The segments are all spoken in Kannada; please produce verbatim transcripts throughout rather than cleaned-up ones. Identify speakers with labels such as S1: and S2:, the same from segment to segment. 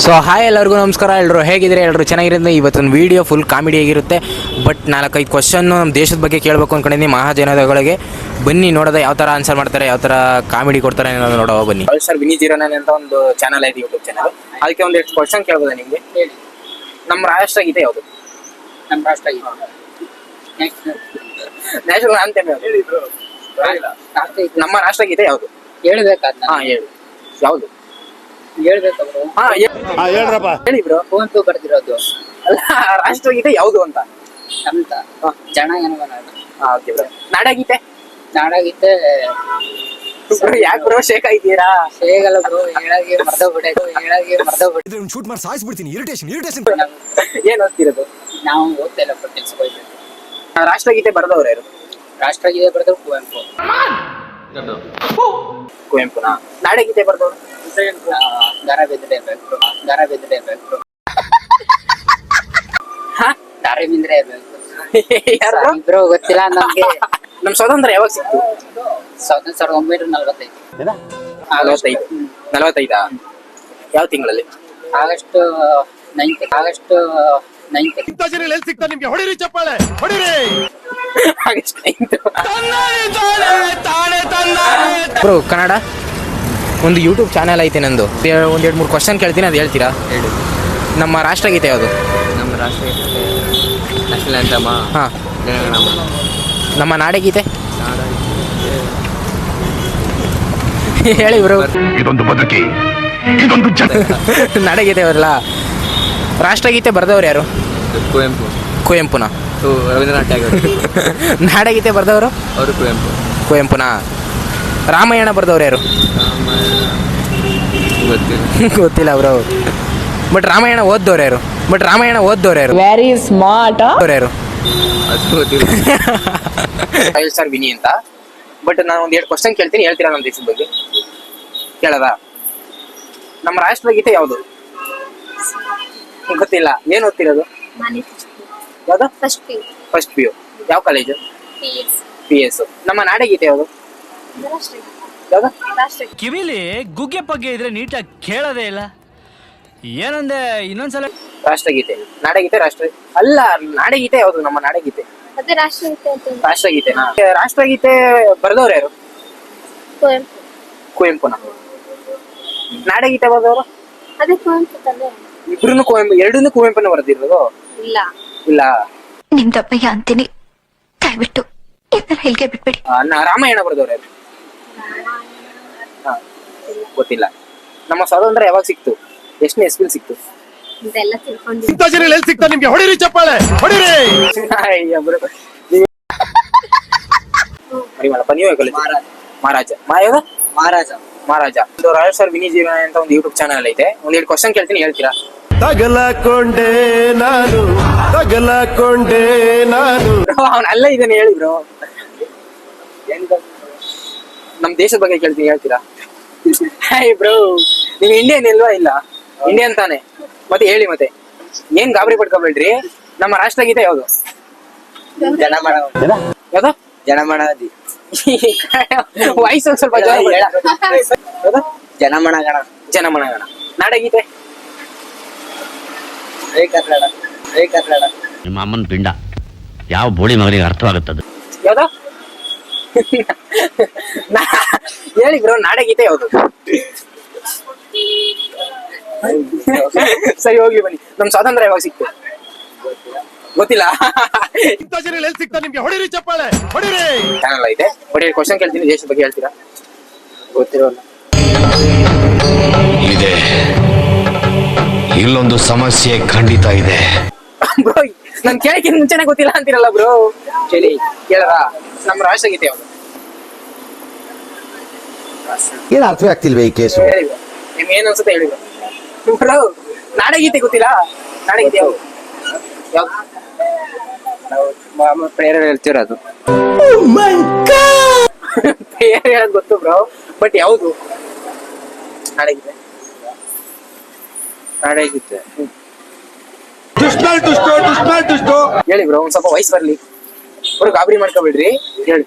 S1: ಸೊ ಹಾಯ್ ಎಲ್ಲರಿಗೂ ನಮಸ್ಕಾರ. ಎಲ್ಲರೂ ಹೇಗಿದ್ರೆ ಎಲ್ಲರೂ ಚೆನ್ನಾಗಿರುತ್ತೆ. ಇವತ್ತೊಂದು ವೀಡಿಯೋ ಫುಲ್ ಕಾಮಿಡಿ ಆಗಿರುತ್ತೆ. ಬಟ್ ನಾಲ್ಕೈದು ಕ್ವಶನ್ನು ನಮ್ಮ ದೇಶದ ಬಗ್ಗೆ ಕೇಳಬೇಕು ಅಂದ್ಕೊಂಡಿದ್ದೀನಿ. ಮಹಾಜನತೆಗಳಿಗೆ ಬನ್ನಿ ನೋಡೋದ ಯಾವ ಥರ ಆನ್ಸರ್ ಮಾಡ್ತಾರೆ, ಯಾವ ಥರ ಕಾಮಿಡಿ ಕೊಡ್ತಾರೆ ಅನ್ನೋದು ನೋಡೋ ಬನ್ನಿ. ಸರ್ ವಿನಿ ಜೀರೋನನ್ ಅಂತ ಒಂದು ಚಾನಲ್ ಐತೆ, ಯೂಟ್ಯೂಬ್ ಚಾನಲ್. ಅದಕ್ಕೆ ಒಂದು ಎಷ್ಟು ಕ್ವಶನ್ ಕೇಳ್ಬೋದಾ ನಿಮಗೆ? ಹೇಳಿ. ನಮ್ಮ ರಾಷ್ಟ್ರಗೀತೆ ಯಾವುದು?
S2: ನಮ್ಮ ರಾಷ್ಟ್ರಗೀತೆ
S1: ನ್ಯಾಷನಲ್ ಆಂಥೆಮ್ ಯಾವುದು? ನಮ್ಮ ರಾಷ್ಟ್ರಗೀತೆ ಯಾವುದು
S2: ಹೇಳ್ಬೇಕಾದ?
S1: ಹಾ ಹೇಳಿ. ಯಾವುದು
S2: ಹೇಳ್ಬೇಕು ಬ್ರೋ?
S1: ಹಾ
S3: ಹೇಳ್ರಪ್ಪ
S1: ಹೇಳಿ ಬ್ರೋ.
S2: ಕುವೆಂಪು ಬರ್ದಿರೋದು.
S1: ಅಲ್ಲ, ರಾಷ್ಟ್ರಗೀತೆ ಯಾವುದು ಅಂತ.
S2: ಅಂತ ಜನಗಣಮನ.
S1: ಹಾ ಓಕೆ ಬ್ರೋ. ನಾಡಗೀತೆ?
S2: ನಾಡಗೀತೆ
S1: ಯಾಕೆ ಬ್ರೋ ಶೇಕ್ ಆಗಿದ್ದೀರಾ?
S2: ಹೇಗಲ್ಲ ಬ್ರೋ, ಹೇಳಾಗೆ ಮರ್ತೋಗ್ಬಿಟ್ಟೆ ಹೇಳಾಗೆ ಮರ್ತೋಗ್ಬಿಟ್ಟೆ
S3: ಶೂಟ್ ಮಾಡಿ ಸಾಯಿಸ್ಬಿಡ್ತೀನಿ. ಇರಿಟೇಷನ್ ಇರಿಟೇಷನ್
S1: ಏನ್ ಓದ್ತಿರೋದು?
S2: ನಾವು ಓದ್ತಾ ಇಲ್ಲ ಬಟ್ ಕೆಲ್ಸಕ್ಕೆ.
S1: ರಾಷ್ಟ್ರಗೀತೆ ಬರೆದವ್ರು ಯಾರು?
S2: ರಾಷ್ಟ್ರಗೀತೆ ಬರೆದ್ರು ಕುವೆಂಪು.
S1: ಕುವೆಂಪುನಾ? ನಾಡಗೀತೆ ಬರೆದವ್ರು?
S2: ದರ ಬೆದ್ರೆ ಬೇಕು, ದರ ಬೆದ್ರೆ ಬೇಕು, ದಾರ ಬಿಂದ್ರೆ ಬೇಕು. ಬ್ರೋ ಗೊತ್ತಿಲ್ಲ ನಮ್ಗೆ.
S1: ನಮ್ ಸ್ವಾತಂತ್ರ್ಯ ಯಾವಾಗ ಸಿಕ್ತು?
S2: ಸಾವಿರದ ಸಾವಿರದ ಒಂಬೈನೂರ ನಲ್ವತ್ತೈದು.
S1: ನಲವತ್ತೈದು ನಲವತ್ತೈದಾ? ಯಾವ ತಿಂಗಳಲ್ಲಿ?
S2: August ninth. August ninth.
S3: ಸಿಗ್ತಾ ನಿಮ್ಗೆ ಹೊಡಿರಿ ಚಪ್ಪಾಳೆ ಹೊಡಿರಿ.
S1: August ninth. ಬ್ರೋ ಕನ್ನಡ ಒಂದು ಯೂಟ್ಯೂಬ್ ಚಾನೆಲ್ ಐತೆ ನಂದು. ಒಂದ್ ಎರಡು ಮೂರು ಕ್ವಶನ್ ಕೇಳ್ತೀನಿ, ಅದು ಹೇಳ್ತೀರಾ?
S2: ಹೇಳಿ.
S1: ನಮ್ಮ ರಾಷ್ಟ್ರಗೀತೆ ಯಾವುದು?
S2: ನಮ್ಮ ರಾಷ್ಟ್ರಗೀತೆ ನ್ಯಾಷನಲ್ ಆಂಥಮ್.
S1: ಹಾ. ನಮ್ಮ ನಾಡಗೀತೆ ಹೇಳಿ ಬ್ರೋ.
S3: ಇದೊಂದು ಬದುಕಿ, ಇದೊಂದು
S1: ನಾಡಗೀತೆ ಬರಲ್ಲ. ರಾಷ್ಟ್ರಗೀತೆ ಬರೆದವ್ರು ಯಾರು?
S2: ಕುವೆಂಪು.
S1: ಕುವೆಂಪುನಾ?
S2: ರವೀಂದ್ರನಾಥ್ ಟ್ಯಾಗೋರ್.
S1: ನಾಡಗೀತೆ ಬರೆದವರು?
S2: ಅವರು ಕುವೆಂಪು.
S1: ಕುವೆಂಪುನಾ? ರಾಮಾಯಣ ಬರೆದವ್ರು ಯಾರು?
S2: ಗೊತ್ತಿಲ್ಲ.
S1: ಗೊತ್ತಿಲ್ಲ ಬ್ರೋ. ಬಟ್ ರಾಮಾಯಣ ಓದ್ದವ್ರು ಯಾರು? ಬಟ್ ರಾಮಾಯಣ ಓದ್ದವ್ರು ಯಾರು?
S4: Very smart.
S1: ಅವ್ರು ಯಾರು?
S2: ಅದು ಗೊತ್ತಿಲ್ಲ.
S1: ಫೈವ್ ಸ್ಟಾರ್ ವಿನಿ ಅಂತ. ಬಟ್ ನಾನು ಒಂದ್ ಎರಡು ಕ್ವಶನ್ ಕೇಳ್ತೀನಿ, ಹೇಳ್ತೀರಾ ನಮ್ಮ ದೇಶದ ಬಗ್ಗೆ? ಕೇಳದ? ನಮ್ಮ ರಾಷ್ಟ್ರಗೀತೆ ಯಾವುದು? ಗೊತ್ತಿಲ್ಲ. ಏನ್ ಓದ್ತಿರೋದು? ಯಾವ್ದು?
S5: First P
S1: first P U. ಯಾವ college?
S5: P S
S1: P S. ನಮ್ಮ ನಾಡಗೀತೆ ಯಾವುದು? ಯಾವ್ದು?
S5: ರಾಷ್ಟ್ರಗೀತೆ.
S6: ಕಿವಿಲಿ ಗುಗ್ಗೆ ಪಗ್ಗೆ ಇದ್ರೆ ನೀಟಾಗಿ ಕೇಳೋದೇ ಇಲ್ಲ. ಏನಂದೆ ಇನ್ನೊಂದ್ಸಲ?
S1: ರಾಷ್ಟ್ರಗೀತೆ. ನಾಡಗೀತೆ ರಾಷ್ಟ್ರ ಅಲ್ಲ, ನಾಡಗೀತೆ ಯಾವುದು? ನಮ್ಮ ನಾಡಗೀತೆ
S5: ಅದೇ ರಾಷ್ಟ್ರಗೀತೆ ಅಂತ.
S1: ರಾಷ್ಟ್ರಗೀತೆನಾ? ರಾಷ್ಟ್ರಗೀತೆ ಬರೆದವ್ರು ಯಾರು?
S5: ಕುವೆಂಪು.
S1: ಕುವೆಂಪುನ? ನಾಡಗೀತೆ ಬರೆದವರು?
S5: ಅದೇ ಕುವೆಂಪು ತಾನೆ.
S1: ಇಬ್ರು ಕುವೆಂಪು, ಎರಡನ್ನೂ ಕುವೆಂಪುನ ಬರೆದಿರೋದು?
S5: ಇಲ್ಲ
S1: ಇಲ್ಲ.
S7: ನಿಮ್ದಪ್ಪಯ್ಯ ಅಂತೀನಿ, ದಯವಿಟ್ಟು ಇದನ್ನ ಹೇಳಿಗೆ ಬಿಟ್ಬಿಡಿ.
S1: ಆ, ನ- ರಾಮಾಯಣ ಬರೆದವ್ರು ಯಾರು? ಹಾ, ಗೊತ್ತಿಲ್ಲ. ನಮ್ಮ ಸ್ವಾತಂತ್ರ್ಯ ಯಾವಾಗ ಸಿಕ್ತು? ಎಷ್ಟನೇ ಇಸ್ವಿಲ್ ಸಿಕ್ತು?
S5: ಇದೆಲ್ಲ ತಿಳ್ಕೊಂಡು
S3: ಇಂಥ ಜನ ಎಲ್ಲಿ ಸಿಗ್ತಾ ನಿಮ್ಗೆ ಹೊಡಿರಿ ಚಪ್ಪಾಳೆ ಹೊಡಿರಿ.
S1: ಅಯ್ಯ ಬ್ರೋ, ನೀವು- ಮರಿಮಲ್ಲಪ್ಪ, ನೀವೇ ಕಲಿತು?
S2: ಮಹಾರಾಜ.
S1: ಮಹಾರಾಜ. ಮಾಯವ
S2: ಮಹಾರಾಜ.
S1: ಮಹಾರಾಜ. ಒಂದು ರಾಯಲ್ ಸರ್ ವಿನಿ ಜೀವನ ಅಂತ ಒಂದು ಯೂಟ್ಯೂಬ್ ಚಾನಲ್ ಐತೆ. ಒಂದ್ ಎರಡು ಕ್ವಶನ್ ಕೇಳ್ತೀನಿ, ಹೇಳ್ತೀರಾ?
S3: ತಗಲಕೊಂಡೆ ನಾನು, ತಗಲಕೊಂಡೆ ನಾನು.
S1: ಅವನ ಅಲ್ಲ ಇದನ್ನ ಹೇಳಿ ಬ್ರೋ. ನಮ್ ದೇಶದ ಬಗ್ಗೆ ಕೇಳ್ತೀನಿ, ಹೇಳ್ತೀರಾ? ಹಾಯ್ ಬ್ರೋ, ನೀವು ಇಂಡಿಯನ್ ಇಲ್ವಾ? ಇಲ್ಲ, ಇಂಡಿಯನ್ ತಾನೆ. ಮತ್ತೆ ಹೇಳಿ, ಮತ್ತೆ ಏನ್ ಗಾಬರಿ ಪಡ್ಕೊಬೇಡ್ರಿ. ನಮ್ಮ ರಾಷ್ಟ್ರಗೀತೆ ಯಾವುದು?
S2: ಜನಮನ.
S1: ಯಾವ್ದು?
S2: ಜನಮನದಿ.
S1: ವಾಯ್ಸ್ ಒಂದ್ ಸ್ವಲ್ಪ ಜೋರ ಬರಲ್ಲ. ಯಾವ್ದು?
S2: ಜನಮನಗಣ.
S1: ಜನಮನಗಣ. ನಾಡಗೀತೆ?
S2: ಜೈ ಕನ್ನಡ. ಜೈ ಕನ್ನಡ.
S8: ನಿಮ್ಮ ಅಮ್ಮನ ಪಿಂಡ ಯಾವ ಬೋಳಿ ಮಗನಿಗೆ ಅರ್ಥವಾಗುತ್ತದೆ?
S1: ಯಾವ್ದು? ಹೇಳಿ ಬ್ರೋ, ನಾಡಗೀತೆ ಯಾವುದು? ಸರಿ, ಹೋಗ್ಲಿ ಬನ್ನಿ. ನಮ್ ಸ್ವಾತಂತ್ರ್ಯ ಯಾವಾಗ ಸಿಕ್ತು? ಗೊತ್ತಿಲ್ಲ.
S3: ಇಂಥ ಜನ ಎಲ್ಲಿ ಸಿಗ್ತಾ ನಿಮ್ಗೆ ಹೊಡಿರಿ ಚಪ್ಪಾಳೆ ಹೊಡಿರಿ.
S1: ಚಾನಲ್ ಐತೆ. ಬಟ್ ಕ್ವಶನ್ ಕೇಳ್ತೀನಿ, ದೇಶದ ಬಗ್ಗೆ ಹೇಳ್ತೀರಾ?
S2: ಗೊತ್ತಿರೋಲ್ಲ.
S9: ಇದೆ, ಇಲ್ಲೊಂದು ಸಮಸ್ಯೆ ಖಂಡಿತ ಇದೆ.
S1: ಬ್ರೋ, ನನ್ ಕೇಳಕ್ಕಿಂತ ಮುಂಚೆನೆ ಗೊತ್ತಿಲ್ಲ ಅಂತೀರಲ್ಲ ಬ್ರೋ. ಹೇಳಿ, ಕೇಳದ? ನಮ್ಮ ರಾಷ್ಟ್ರಗೀತೆ ಯಾವುದು?
S9: ಏನು ಅರ್ಥವೇ ಆಗ್ತಿಲ್ವೇ ಈ ಕೇಸು?
S1: ಹೇಳಿ ಬ್ರೋ, ನಿಮ್ಗೆ ಏನ್ ಅನ್ಸುತ್ತೆ ಹೇಳಿ ಬ್ರೋ. ಬ್ರೋ, ನಾಡಗೀತೆ ಗೊತ್ತಿಲ್ಲ? ನಾಡಗೀತೆ ಯಾವುದು? ಯಾವ್ದು?
S2: ನಾವು ಪ್ರೇರಣೆ ಹೇಳ್ತಿರೋದು.
S1: ಬೇರೆ ಹೇಳೋದು ಗೊತ್ತು ಬ್ರೋ, ಬಟ್ ಯಾವುದು ನಾಡಗೀತೆ?
S2: ನಾಡಗೀತೆ
S1: ಹೇಳಿ ಬ್ರೋ, ಒಂದ್ ಸ್ವಲ್ಪ ವಯಸ್ಸು ಬರ್ಲಿ. ಬ್ರೋ ಗಾಬರಿ ಮಾಡ್ಕೊಬಿಡ್ರಿ, ಹೇಳಿ.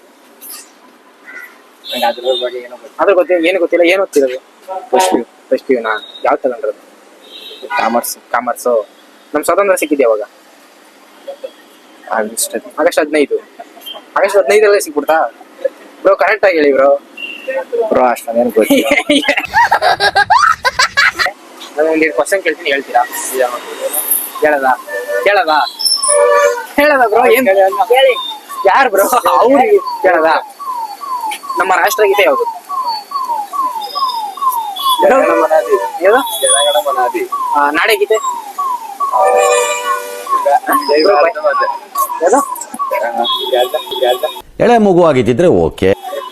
S2: ಅದ್ರ ಬಗ್ಗೆ ಏನೋ
S1: ಅದ್ರ ಗೊತ್ತಿಲ್ಲ, ಏನು ಗೊತ್ತಿಲ್ಲ. ಏನು ಓದ್ತಿರೋದು? First P U. First P U ನಾ ಯಾವ ತಗೊಂಡ್ರದು?
S2: ಕಾಮರ್ಸ್.
S1: ಕಾಮರ್ಸು. ನಮ್ಮ ಸ್ವಾತಂತ್ರ್ಯ ಸಿಕ್ಕಿದೆ ಯಾವಾಗ?
S2: ಆಗಸ್ಟ್
S1: ಆಗಸ್ಟ್ ಹದಿನೈದು. ಆಗಸ್ಟ್ ಹದಿನೈದಲ್ಲೇ ಸಿಕ್ಬಿಡ್ತಾ ಬ್ರೋ? ಕರೆಕ್ಟ್ ಆಗಿ ಹೇಳಿ ಬ್ರೋ.
S2: ಬ್ರೋ ಅಷ್ಟೊಂದೇನು ಗೊತ್ತಿಲ್ಲ.
S1: ನಾನು ಒಂದು ಕ್ವಶನ್ ಕೇಳ್ತೀನಿ, ಹೇಳ್ತೀರಾ? ಹೇಳದ ಹೇಳದ ಹೇಳದ ಬ್ರೋ? ಏನ್ ಹೇಳಿ? ಯಾರು ಬ್ರೋ ಅವ್ರಿಗೆ ಹೇಳದ? ನಮ್ಮ ರಾಷ್ಟ್ರಗೀತೆ ಯಾವುದು?
S2: ಜನಗಣಮನಾದಿ.
S1: ಯಾವುದು?
S2: ಜನಗಣಮನಾದಿ.
S1: ಆ, ನಾಡಗೀತೆ
S2: ಜೈ ಭಾರತ ಮಾತೆ.
S1: ಯಾವುದು?
S2: ಗಾಜ ಗಾಜ.
S9: ಎಳೆ ಮಗು ಆಗಿದ್ದಿದ್ರೆ ಓಕೆ.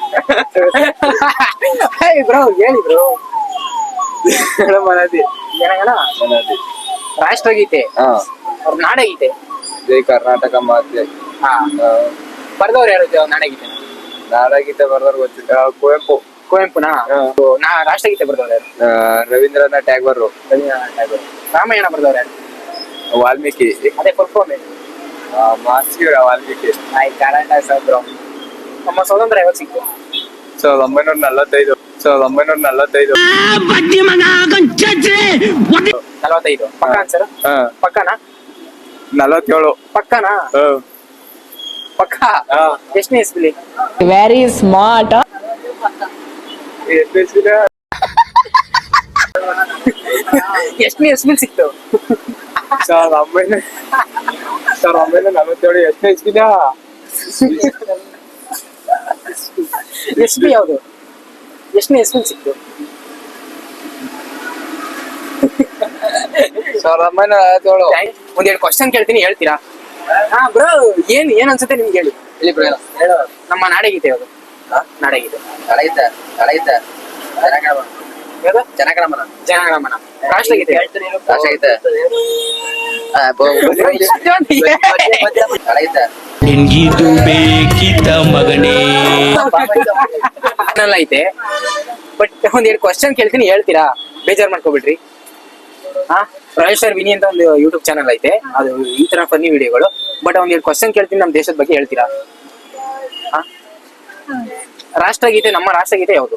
S1: ಬ್ರೋ ಹೇಳಿ ಬ್ರೋ.
S2: ಜನಗಣಮನಾದಿ.
S1: ಜನಗಣ
S2: ಮನಾದಿ.
S1: ರಾಷ್ಟ್ರಗೀತೆ,
S2: ಹಾ.
S1: ಅವ್ರ ನಾಡಗೀತೆ.
S2: ಜೈ ಕರ್ನಾಟಕ ಮಾತೆ.
S1: ಹಾ, ಬರ್ದವ್ರು ಯಾರು ನಾಡಗೀತೆ?
S2: ನಾಡಗೀತೆ ಬರ್ದವ್ರು ಗೊತ್ತಿಲ್ಲ. ಕುವೆಂಪು.
S1: ಕುವೆಂಪುನಾ?
S2: ಹಾ.
S1: ನಾ ರಾಷ್ಟ್ರಗೀತೆ ಬರ್ದವ್ರು ಯಾರು?
S2: ಆ, ರವೀಂದ್ರನಾಥ್ ಟ್ಯಾಗೋರ್.
S1: ರವೀಂದ್ರನಾಥ್ ಟ್ಯಾಗೋರ್. ರಾಮಾಯಣ ಬರ್ದವ್ರು ಯಾರು?
S2: ವಾಲ್ಮೀಕಿ.
S1: ಅದೇ ಫುಲ್ ಫಾರ್ಮ್ ಏನು?
S2: ಮಾಸ್ಕಿ ವಾಲ್ಮೀಕಿ.
S1: ಆಯ್ತು, ಕರೆಕ್ಟ್ ಆಗಿ ಬ್ರೋ. ನಮ್ಮ ಸ್ವತಂತ್ರ ಯಾವಾಗ ಸಿಕ್ತು?
S2: ಸಾವಿರದ ಒಂಬೈನೂರ ನಲವತ್ತೈದು. ಸಾವಿರದ ಒಂಬೈನೂರ ನಲವತ್ತೈದು.
S1: ನಲವತ್ತೈದು. ಪಕ್ಕ ಆನ್ಸರ್?
S2: ಹಾ.
S1: ಪಕ್ಕನಾ?
S2: ನಲವತ್ತೇಳು.
S1: ಪಕ್ಕನಾ?
S2: ಹಾ.
S1: ಪಕ್ಕ.
S2: ಹಾ.
S1: ಎಷ್ಟನೇ ಇಸ್ವಿಲಿ?
S4: Very smart.
S1: ಎಷ್ಟನೇ ಇಸ್ವಿಲಿ ಸಿಕ್ತು?
S2: ಸಾವಿರದ ಒಂಬೈನೂರ ಸಾವಿರದ ಒಂಬೈನೂರ ನಲವತ್ತೇಳು. ಎಷ್ಟನೇ ಇಸ್ವಿನ?
S1: ಇಸ್ವಿ ಯಾವುದು? ಎಷ್ಟನೇ ಇಸ್ವಿಲಿ ಸಿಕ್ತು?
S2: ಸಾವಿರದ ಒಂಬೈನೂರ ನಲವತ್ತೇಳು.
S1: ಒಂದೆರಡು ಕ್ವಶನ್ ಕೇಳ್ತೀನಿ, ಹೇಳ್ತೀರಾ? ಹಾ ಬ್ರೋ, ಏನ್ ಏನ್ ಅನ್ಸುತ್ತೆ ನಿಮ್ಗೆ ಹೇಳಿ.
S2: ಇಲ್ಲಿ ಬ್ರೋ
S1: ಹೇಳು. ನಮ್ಮ ನಾಡಗೀತೆ ಯಾವುದು? ನಾಡಗೀತೆ
S2: ನಡೆಯುತ್ತೆ ನಡೆಯುತ್ತೆ. ಜನಗಣಮನ.
S1: ಯಾವುದು?
S2: ಜನಗಣಮನ.
S1: ಜನಗಣಮನ. ರಾಷ್ಟ್ರಗೀತೆ?
S2: ರಾಷ್ಟ್ರಗೀತೆ. ನಡೆಯುತ್ತೆ.
S6: ನಿನ್ಗಿದು ಬೇಕಿತ್ತ ಮಗನೇ?
S1: ಚಾನಲ್ ಐತೆ, ಬಟ್ ಒಂದೆರಡು ಕ್ವಶನ್ ಕೇಳ್ತೀನಿ, ಹೇಳ್ತೀರಾ? ಬೇಜಾರ್ ಮಾಡ್ಕೊಬಿಡ್ರಿ. ಹಾ, ರಾಯಲ್ ಸ್ಟಾರ್ ವಿನಿ ಅಂತ ಒಂದು ಯೂಟ್ಯೂಬ್ ಚಾನಲ್ ಐತೆ, ಅದು ಈ ತರ ಫನ್ನಿ ವಿಡಿಯೋಗಳು. ಬಟ್ ಒಂದೆರಡು ಕ್ವಶನ್ ಕೇಳ್ತೀನಿ, ನಮ್ಮ ದೇಶದ ಬಗ್ಗೆ ಹೇಳ್ತೀರಾ? ಹಾ, ರಾಷ್ಟ್ರಗೀತೆ, ನಮ್ಮ ರಾಷ್ಟ್ರಗೀತೆ ಯಾವುದು?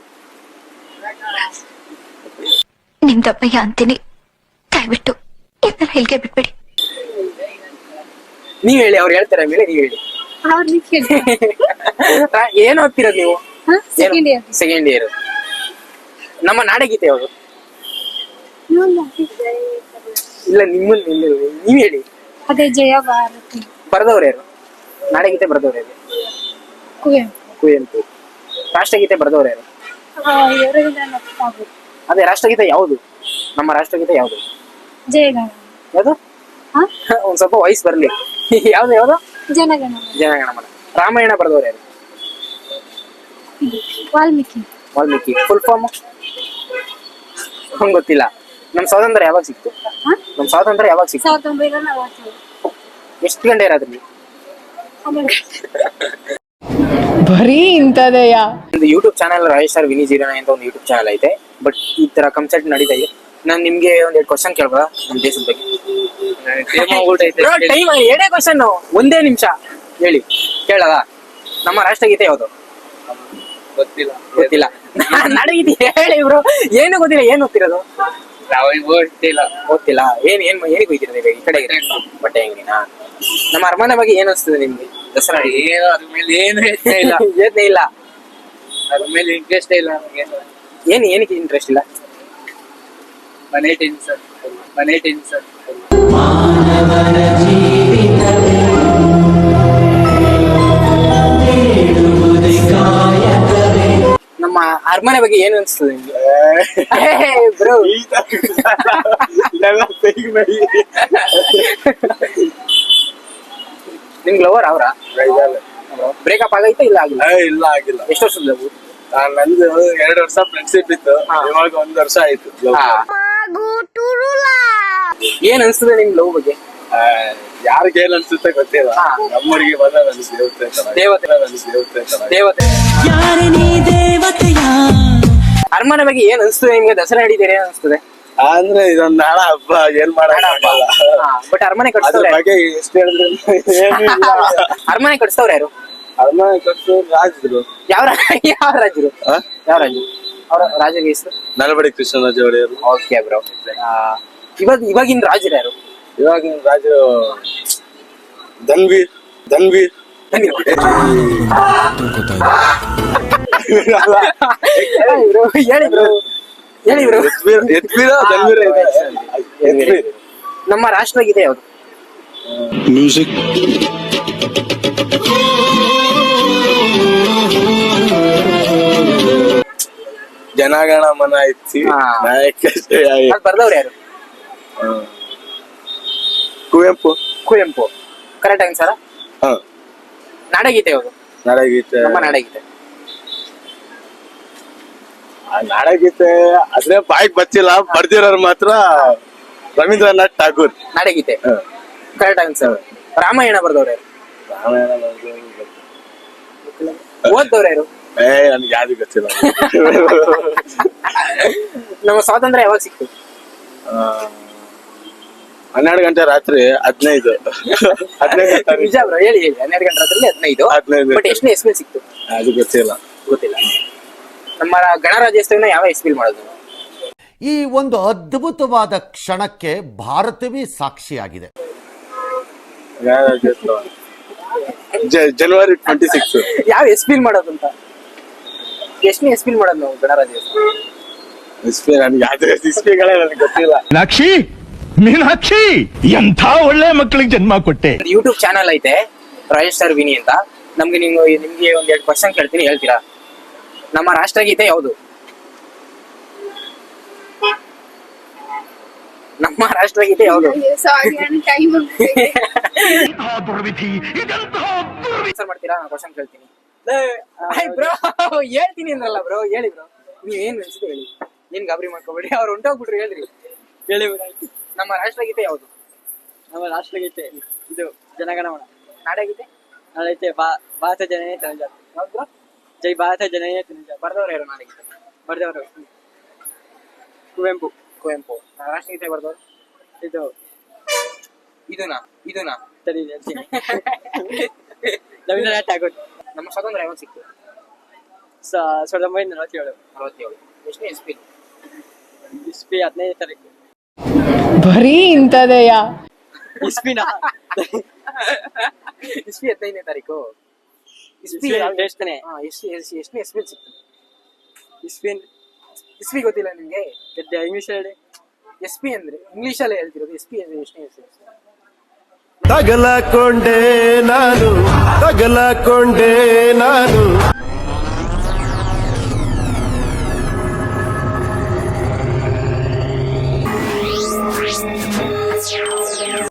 S7: ನಿಮ್ದಪ್ಪಯ್ಯ ಅಂತೀನಿ, ದಯವಿಟ್ಟು ಇದನ್ನ ಹೇಳಿಕೆ ಬಿಟ್ಬಿಡಿ.
S1: ನೀವ್ ಹೇಳಿ, ಅವ್ರು ಹೇಳ್ತಾರೆ ಮೇಲೆ ನೀವ್ ಹೇಳಿ.
S5: ಅವ್ರನ್ನ ಕೇಳಿ.
S1: ರಾ- ಏನ್ ಓದ್ತಿರೋದು ನೀವು?
S5: Second year.
S1: Second year. ನಮ್ಮ ನಾಡಗೀತೆ ಯಾವುದು? ಇಲ್ಲ, ನಿಮ್ಮನ್ನ ನೀವ್ ಹೇಳಿ.
S5: ಅದೇ ಜಯ ಭಾರತಿ.
S1: ಬರೆದವ್ರು ಯಾರು? ನಾಡಗೀತೆ ಬರೆದವ್ರು ಯಾರು?
S5: ಕುವೆಂಪು.
S1: ಕುವೆಂಪು. ರಾಷ್ಟ್ರಗೀತೆ ಬರೆದವ್ರು ಯಾರು?
S5: ರವೀಂದ್ರನಾಥ್ ಠಾಗೂರ್.
S1: ಅದೇ ರಾಷ್ಟ್ರಗೀತೆ ಯಾವುದು? ನಮ್ಮ ರಾಷ್ಟ್ರಗೀತೆ ಯಾವುದು?
S5: ಜಯಗಣ.
S1: ಯಾವುದು?
S5: ಹಾ?
S1: ಒಂದ್ ಸ್ವಲ್ಪ ವಯಸ್ಸು ಬರ್ಲಿ. ಯಾವ್ದು ಯಾವ್ದು?
S5: ಜನಗಣ.
S1: ಜನಗಣಮನ. ರಾಮಾಯಣ ಬರೆದವ್ರು ಯಾರು?
S5: ವಾಲ್ಮೀಕಿ.
S1: ವಾಲ್ಮೀಕಿ. ಫುಲ್ ಫಾರ್ಮ್ ಹಂಗ್ ಗೊತ್ತಿಲ್ಲ. ನಮ್ ಸ್ವಾತಂತ್ರ್ಯ ಯಾವಾಗ ಸಿಕ್ತು?
S5: ಹಾ?
S1: ನಮ್ ಸ್ವಾತಂತ್ರ್ಯ ಯಾವಾಗ ಸಿಕ್ತು?
S5: ಸಾವಿರದ ಒಂಬೈನೂರ ನಲವತ್ತೇಳು.
S1: ಎಷ್ಟು ಗಂಟೆ ಇರೋದ್ರಲ್ಲಿ?
S4: ಬರೀ ಇಂಥದೆಯಾ?
S1: ಒಂದು YouTube channel royal star Vini zero nine ಅಂತ ಒಂದು ಯೂಟ್ಯೂಬ್ ಚಾನಲ್ ಐತೆ, ಬಟ್ ಈ ತರ ಕನ್ಸರ್ಟ್ ನಡೀತಾ ಇದೆ. ನಾನ್ ನಿಮ್ಗೆ ಒಂದೆರಡು ಕ್ವಶನ್ ಕೇಳ್ಬೋದಾ ನಮ್ ದೇಶದ ಬಗ್ಗೆ? ಟೈಮ್ ಎರಡೇ ಕ್ವಶನ್, ಒಂದೇ ನಿಮಿಷ ಹೇಳಿ. ಕೇಳದ? ನಮ್ಮ ರಾಷ್ಟ್ರಗೀತೆ ಯಾವುದು?
S2: ಗೊತ್ತಿಲ್ಲ
S1: ಗೊತ್ತಿಲ್ಲ. ನಾಡಗೀತೆ ಹೇಳಿ ಬ್ರೋ. ಏನು ಗೊತ್ತಿಲ್ಲ, ಏನ್ ಓದ್ತಿರೋದು?
S2: ನಾವು ಗೊತ್ತಿಲ್ಲ.
S1: ಓದ್ತಿಲ್ಲ. ಏನ್ ಏನ್ ಏನಿಗೆ ಹೋಗ್ತಿರೋದು ಈಗ? ಈ ಕಡೆ ಬಟ್ಟೆ ಅಂಗಡಿನಾ? ನಮ್ಮ ಅರಮನೆ ಬಗ್ಗೆ ಏನ್ ಅನ್ಸ್ತದೆ ನಿಮ್ಗೆ? ದಸರಾ
S2: ಏನು ಅದ್ರ ಮೇಲೆ ಏನು ಯೋಚನೆ ಇಲ್ಲ.
S1: ಯೋಚನೆ ಇಲ್ಲ,
S2: ಅದ್ರ ಮೇಲೆ ಇಂಟ್ರೆಸ್ಟ್ ಇಲ್ಲ ನಮಗೆ.
S1: ಏನ್ ಏನಕ್ಕೆ ಇಂಟ್ರೆಸ್ಟ್ ಇಲ್ಲ?
S2: ಮನೆ ಟೆನ್ಷನ್ ಮನೆ ಟೆನ್ಷನ್.
S1: ನಮ್ಮ ಅರಮನೆ ಬಗ್ಗೆ ಏನು ಅನ್ಸ್ತದೆ ನಿಮ್ಗೆ? ಬ್ರೋ ನಿಮ್ಗೆ ಲವರ್ ಅವ್ರ? ಬ್ರೇಕಪ್ ಆಗೈತಾ ಇಲ್ಲ ಆಗಿಲ್ಲ?
S2: ಇಲ್ಲ ಆಗಿಲ್ಲ.
S1: ಎಷ್ಟು ವರ್ಷದ ಲವ್?
S2: ನಂದು ಎರಡು ವರ್ಷ ಫ್ರೆಂಡ್ಶಿಪ್ ಇತ್ತು, ಇವಾಗ ಒಂದ್ ವರ್ಷ ಆಯ್ತು.
S1: ಏನ್ ಅನ್ಸ್ತದೆ ನಿಮ್ ಲವ್ ಬಗ್ಗೆ?
S2: ಯಾರಿಗೆ ಏನ್ ಅನ್ಸುತ್ತೆ ಗೊತ್ತಿಲ್ಲ. ನಮ್ಮೂರಿಗೆ ಬಂದ ನನ್ ದೇವತೆ ತರ.
S1: ದೇವತೆ
S2: ನನ್ ದೇವತೆ ತರ.
S1: ದೇವತೆ. ಅರಮನೆ ಬಗ್ಗೆ ಏನ್ ಅನ್ಸ್ತದೆ ನಿಮ್ಗೆ? ದಸರಾ ನಡೀತಾರೆ ಏನ್ ಅನ್ಸ್ತದೆ?
S2: ಅಂದ್ರೆ ಇದೊಂದ್ ನಾಡ ಹಬ್ಬ, ಏನ್ ಮಾಡಲ್ಲ.
S1: ಬಟ್ ಅರಮನೆ
S2: ಅದ್ರ
S1: ಕಟ್ಸ್ತವ್ರೆ.
S2: ಬಗ್ಗೆ ಎಷ್ಟು ಹೇಳಿದ್ರೆ ಏನು ಇಲ್ಲ.
S1: ಅರಮನೆ ಕಟ್ಸ್ತವ್ರ ಯಾರು?
S2: ಅರಮನೆ ಕಟ್ಸು ರಾಜರು.
S1: ಯಾವ ರಾ- ಯಾವ ರಾಜರು? ಯಾವ ರಾಜರು? ಅವ್ರ ರಾಜರ ಹೆಸರು?
S2: ನಲಬಡಿ ಕೃಷ್ಣರಾಜ ಒಡೆಯರು.
S1: Okay bro. ಇವಾಗ ಇವಾಗಿನ ರಾಜರು ಯಾರು?
S2: ಇವಾಗಿನ ರಾಜರು ಧನ್ವೀರ್ ಧನ್ವೀರ್
S1: ಹೇಳಿ ಬ್ರೋ, ಹೇಳಿ ಬ್ರೋ.
S2: ಯತ್ವೀರ್ ಯತ್ವೀರ ಧನ್ವೀರ ಇದೆ. ಯತ್ವೀರ್.
S1: ನಮ್ಮ ರಾಷ್ಟ್ರಗೀತೆ ಯಾವುದು?
S3: ಮ್ಯೂಸಿಕ್
S2: ಜನಗಣ ಮನ ಇಚ್ಚಿ
S1: ಹಾ.
S2: ನಾಯಕ
S1: ಅದು ಬರ್ದವ್ರು ಯಾರು?
S2: ಕುವೆಂಪು.
S1: ಕುವೆಂಪು. Correct answer.
S2: ಹ
S1: ನಾಡಗೀತೆ ಯಾವುದು?
S2: ನಾಡಗೀತೆ
S1: ನಮ್ಮ ನಾಡಗೀತೆ.
S2: ಆ ನಾಡಗೀತೆ ಅದ್ರೆ ಬಾಯಿಗೆ ಬಚ್ಚಿಲ್ಲ, ಬರ್ದಿರೋರು ಮಾತ್ರ ರವೀಂದ್ರನಾಥ್ ಠಾಗೂರ್.
S1: ನಾಡಗೀತೆ
S2: ಹ.
S1: Correct answer. ರಾಮಾಯಣ ಬರ್ದವ್ರು ಯಾರು?
S2: ರಾಮಾಯಣ ಬರ್ದಿರೋರು ಗೊತ್ತಿಲ್ಲ.
S1: ಓದ್ದವ್ರು ಯಾರು?
S2: ಏ ನನ್ಗೆ ಯಾವ್ದು ಗೊತ್ತಿಲ್ಲ.
S1: ನಮ್ಮ ಸ್ವಾತಂತ್ರ್ಯ ಯಾವಾಗ ಸಿಕ್ತು?
S2: ಆ, ಹನ್ನೆರಡು ಗಂಟೆ ರಾತ್ರಿ ಹದಿನೈದು ಹದಿನೈದು ತಾರೀಕು.
S1: ನಿಜ ಬ್ರೋ, ಹೇಳಿ ಹೇಳಿ. ಹನ್ನೆರಡು ಗಂಟೆ ರಾತ್ರಿ ಹದಿನೈದು.
S2: ಹದಿನೈದು.
S1: ಬಟ್ ಎಷ್ಟನೇ ಎಸ್ಪಿ ಸಿಕ್ತು?
S2: ಅದು ಗೊತ್ತಿಲ್ಲ.
S1: ಗೊತ್ತಿಲ್ಲ. ನಮ್ಮ ಗಣರಾಜ್ಯೋತ್ಸವನ ಯಾವ ಎಸ್ಪಿಲ್ ಮಾಡೋದು?
S9: ಈ ಒಂದು ಅದ್ಭುತವಾದ ಕ್ಷಣಕ್ಕೆ ಭಾರತವೇ ಸಾಕ್ಷಿಯಾಗಿದೆ.
S2: ಗಣರಾಜ್ಯೋತ್ಸವ ಜ- ಜನವರಿ ಟ್ವೆಂಟಿ ಸಿಕ್ಸ್.
S1: ಯಾವ ಎಸ್ಪಿಲ್ ಮಾಡೋದು ಅಂತ? ಎಷ್ಟನೇ ಎಸ್ಪಿಲ್ ಮಾಡೋದು ನಾವು ಗಣರಾಜ್ಯೋತ್ಸವ?
S2: ಇಸ್ಪಿ ನನ್ಗೆ ಯಾವ್ದು ಇಸ್ಪಿಗಳೇ ನನಗೆ ಗೊತ್ತಿಲ್ಲ.
S3: ಮೀನಾಕ್ಷಿ ಮೀನಾಕ್ಷಿ ಎಂಥ ಒಳ್ಳೆ ಮಕ್ಕಳಿಗೆ ಜನ್ಮ ಕೊಟ್ಟೆ.
S1: ಯೂಟ್ಯೂಬ್ ಚಾನಲ್ ಐತೆ ರಾಜೇಶ್ ಸರ್ ವಿನಿ ಅಂತ. ನಮ್ಗೆ ನೀವು ನಿಮ್ಗೆ ಒಂದ್ ಎರಡು ಕ್ವಶನ್ ಕೇಳ್ತೀನಿ, ಹೇಳ್ತೀರಾ? ನಮ್ಮ ರಾಷ್ಟ್ರಗೀತೆ ಯಾವುದು? ನಮ್ಮ ರಾಷ್ಟ್ರಗೀತೆ ಯಾವುದು? ಆನ್ಸರ್ ಮಾಡ್ತೀರಾ? ನಾನು ಕ್ವಶನ್ ಕೇಳ್ತೀನಿ. ಬ್ರೋ ಹೇಳ್ತೀನಿ ಅಂದ್ರಲ್ಲ ಬ್ರೋ, ಹೇಳಿ ಬ್ರೋ. ನೀವ್ ಏನ್ ಅನ್ಸುತ್ತೆ ಹೇಳಿ, ಏನ್ ಗಾಬರಿ ಮಾಡ್ಕೋಬೇಡಿ. ಅವ್ರು ಹೊಂಟೋಗ್ಬಿಟ್ರು, ಹೇಳ್ರಿ. ಹೇಳಿ. ನಮ್ಮ ರಾಷ್ಟ್ರಗೀತೆ ಯಾವುದು?
S10: ನಮ್ಮ ರಾಷ್ಟ್ರಗೀತೆ ಇದು ಜನಗಣಮನ.
S1: ನಾಡಗೀತೆ?
S10: ನಾಡಗೀತೆ ಭಾರತ ಜನನೇ ತನುಜಾತೆ.
S1: ಯಾವ್ದು ಬ್ರೋ?
S10: ಜೈ ಭಾರತ ಜನನೇ ತನುಜಾತೆ.
S1: ಬರ್ದವ್ರು ಯಾರು ನಾಡಗೀತೆ?
S10: ಬರ್ದವರು ಕುವೆಂಪು.
S1: ಕುವೆಂಪು. ರಾಷ್ಟ್ರಗೀತೆ ಬರ್ದವ್ರು?
S10: ಇದು
S1: ಇದನಾ ಇದನಾ
S10: ಸರಿ ಹೇಳ್ತೀನಿ. ರವೀಂದ್ರನಾಥ್ ಠಾಗೂರ್.
S1: ನಮ್ಮ ಸ್ವಾತಂತ್ರ್ಯ ಯಾವಾಗ ಸಿಕ್ತು?
S10: ಸಾವಿರದ ಒಂಬೈನೂರ ನಲವತ್ತೇಳು.
S1: ನಲವತ್ತೇಳು. ಎಷ್ಟನೇ ಎಸ್ಪಿ?
S10: ಇಸ್ಪಿ ಹದಿನೈದು ತಾರೀಕು.
S4: ಬರೀ ಇಂಥದೆಯಾ?
S10: ಇಸ್ಪಿನ
S1: ಇಸ್ವಿ ಹದಿನೈದನೇ ತಾರೀಕು. ಇಸ್ವಿ
S10: ಇಸ್ವಿ ಎಷ್ಟನೇ?
S1: ಹಾ, ಎಷ್ಟು ಎಷ್ಟನೇ ಎಸ್ಪಿ ಸಿಕ್ತು?
S10: ಇಸ್ಪಿನ್
S1: ಇಸ್ವಿ ಗೊತ್ತಿಲ್ಲ ನಿಮ್ಗೆ?
S10: ಇಂಗ್ಲಿಷ್ ಹೇಳಿ.
S1: ಎಸ್ ಪಿ ಅಂದ್ರೆ ಇಂಗ್ಲಿಷ್ ಅಲ್ಲೇ ಹೇಳ್ತಿರೋದು. ಎಸ್ ಪಿ ಅಂದ್ರೆ ಎಷ್ಟನೇ ಎಸ್?
S3: ತಗಲಕೊಂಡೆ ನಾನು ತಗಲಕೊಂಡೆ ನಾನು